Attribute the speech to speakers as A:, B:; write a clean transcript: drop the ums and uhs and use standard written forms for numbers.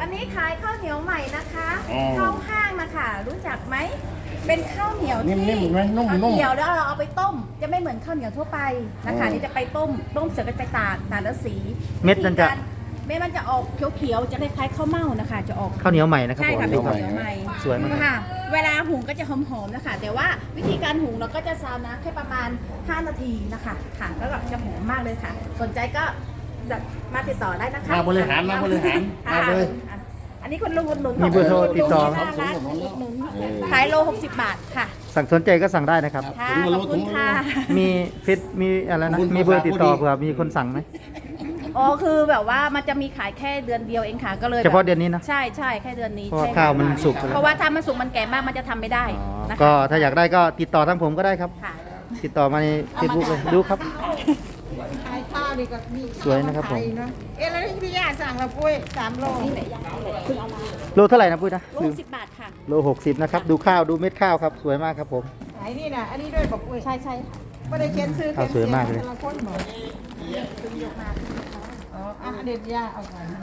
A: วันนี้ขายข้าวเหนียวใหม่นะคะ
B: อ๋อ
A: ข้าวห้างนะคะรู้จักไหมเป็นข้าวเหนียวที่
B: นิ่มๆไหมนุ่มๆ
A: ข้าวเหนียวแล้วเราเอาไปต้ม จะไม่เหมือนข้าวเหนียวทั่วไปนะคะ
B: อ๋อ
A: นี่จะไปต้มเสร็จก็ไปตากแล้วสี
C: เม็ดมันจะ
A: เม็ดมันจะออกเขียวๆจะคล้ายๆข้าวเม่านะคะ จะออก
C: ข้าวเหนียวใหม่นะครับ
A: ใช่
C: ผม
A: ค่ะเป็นข้าวเหนียวใหม่
C: สวยมาก
A: ค่ะ เวลาหุงก็จะหอมๆนะคะ แต่ว่าวิธีการหุงเราก็จะซาวน้ำแค่ประมาณ 5 นาทีนะคะค่ะแล้วก็จะหอมมากเลยค่ะ สนใจก็มาติดต่อได้นะคะ
B: มาบริหารมา
A: ค่ะ
B: เลย
A: อันนี้คนลุงอุดหนุน
C: มีเบอร์โทรติดต่อ
A: หน้าร้านอุดหนุนขายโล60 บาทค่ะ
C: สั่งสนใจก็สั่งได้นะครับ
A: ค่ะขอบคุณค่ะ
C: มีฟิตมีอะไรนะมีเบอร์ติดต่อเผื่อมีคนสั่งไหม
A: อ๋อคือแบบว่ามันจะมีขายแค่เดือนเดียวเองค่ะก็เลย
C: เฉพาะเดือนนี้นะ
A: ใช่ใช่แค่เดือนนี้
C: เพราะว่า
A: ใช่
C: ข้าวมันสุกไป
A: เพ
C: แล้ว
A: ราะว่าถ้ามันสุกมันแก่มากมันจะทำไม่ได้
C: อ๋อ
A: นะคะ
C: ก็ถ้าอยากได้ก็ติดต่อทางผมก็ได้ครับ
A: ค่ะ
C: ติดต่อมาในเฟซบุ๊กเลยดูครับ
D: ขายข้าวนี่ก็มี
C: สวยนะครับผม
D: ขายเนอะแล้วที่พี่ย่าสั่งเราปุ้ย3 โล
C: โลเท่าไหร่นะปุ้ยนะ
A: โล
C: ลืม
A: 10 บาทค่ะ
C: โล60นะครับดูข้าวดูเม็ดข้าวครับสวยมากครับผม
D: ขายนี่นะอันนี้ด้วยบอกปุ้ย
A: ใช่ใช่ค่ะ
D: ไม่ได้เขียนซื้อ
C: ข้าวสวยมากเลย
D: แต่ละคนบอกอ๋ออ่ะเด็ดย่าเอาก่อน